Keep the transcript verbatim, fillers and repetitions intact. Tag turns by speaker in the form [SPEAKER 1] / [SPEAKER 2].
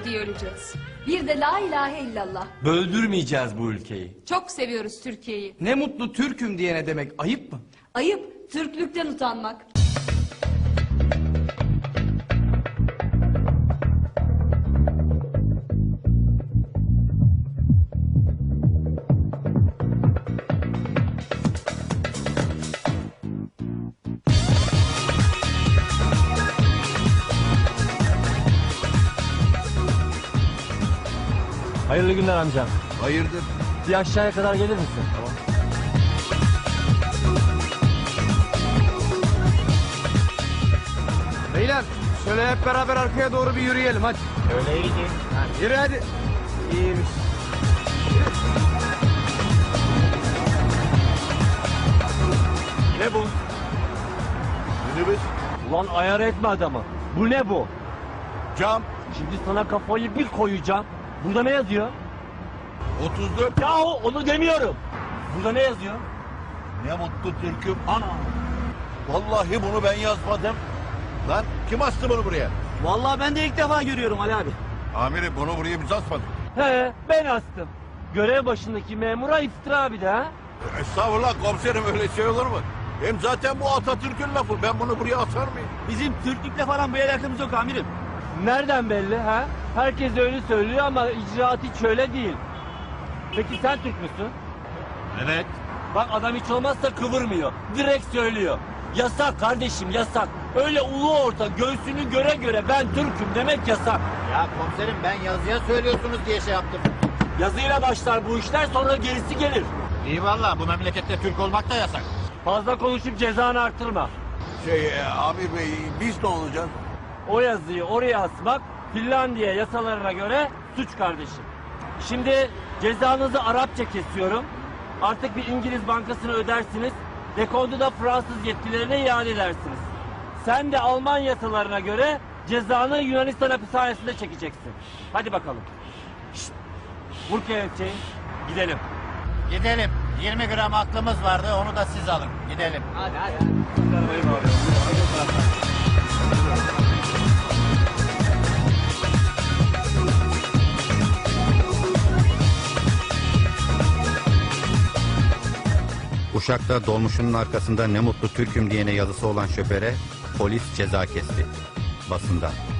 [SPEAKER 1] diye öleceğiz. Bir de la ilahe illallah.
[SPEAKER 2] Böldürmeyeceğiz bu ülkeyi.
[SPEAKER 1] Çok seviyoruz Türkiye'yi.
[SPEAKER 3] Ne mutlu Türk'üm diyene demek ayıp mı?
[SPEAKER 1] Ayıp, Türklükten utanmak.
[SPEAKER 2] Hayırlı günler amcam.
[SPEAKER 4] Hayırdır?
[SPEAKER 2] Bir aşağıya kadar gelir misin? Tamam.
[SPEAKER 3] Beyler şöyle hep beraber arkaya doğru bir yürüyelim hadi.
[SPEAKER 2] Öyle iyi.
[SPEAKER 3] Yürü hadi. İyiymiş.
[SPEAKER 2] Ne bu?
[SPEAKER 4] Minibüs,
[SPEAKER 2] Ulan ayar etme adamı. Bu ne bu?
[SPEAKER 4] cam,
[SPEAKER 2] Şimdi sana kafayı bir koyacağım. Burada ne yazıyor?
[SPEAKER 4] otuz dört.
[SPEAKER 2] Yahu onu demiyorum. Burada ne yazıyor?
[SPEAKER 4] Ne mutlu Türk'üm. Ana. Vallahi bunu ben yazmadım. Lan kim astı bunu buraya?
[SPEAKER 2] Vallahi ben de ilk defa görüyorum Ali abi.
[SPEAKER 4] Amirim bunu buraya biz asmadık.
[SPEAKER 2] He ben astım. Görev başındaki memura iftira bir de ha.
[SPEAKER 4] Estağfurullah komiserim, öyle şey olur mu? Hem zaten bu Atatürk'ün lafı. Ben bunu buraya asar mıyım?
[SPEAKER 2] Bizim Türklükle falan bir alakamız yok amirim. Nereden belli ha? Herkes öyle söylüyor ama icraat hiç öyle değil. Peki sen Türk müsün?
[SPEAKER 4] Evet.
[SPEAKER 2] Bak adam hiç olmazsa kıvırmıyor. Direkt söylüyor. Yasak kardeşim yasak. Öyle ulu orta göğsünü göre göre ben Türk'üm demek yasak.
[SPEAKER 5] Ya komiserim ben yazıya söylüyorsunuz diye şey yaptım.
[SPEAKER 2] Yazıyla başlar bu işler sonra gerisi gelir.
[SPEAKER 5] İyi valla bu memlekette Türk olmak da yasak.
[SPEAKER 2] Fazla konuşup cezanı artırma.
[SPEAKER 4] Şey e, Amir Bey, biz ne olacağız?
[SPEAKER 2] O yazıyı oraya asmak Finlandiya yasalarına göre suç kardeşim. Şimdi cezanızı Arapça kesiyorum. Artık bir İngiliz bankasına ödersiniz. Dekontu da Fransız yetkililerine iade edersiniz. Sen de Alman yasalarına göre cezanı Yunanistan hapishanesinde çekeceksin. Hadi bakalım. Şşt. Vur kelepçeyi. Gidelim.
[SPEAKER 5] Gidelim. yirmi gram aklımız vardı onu da siz alın. Gidelim. Hadi hadi.
[SPEAKER 6] Uşak'ta dolmuşunun arkasında ne mutlu Türk'üm diyene yazısı olan şoföre polis ceza kesti. Basında.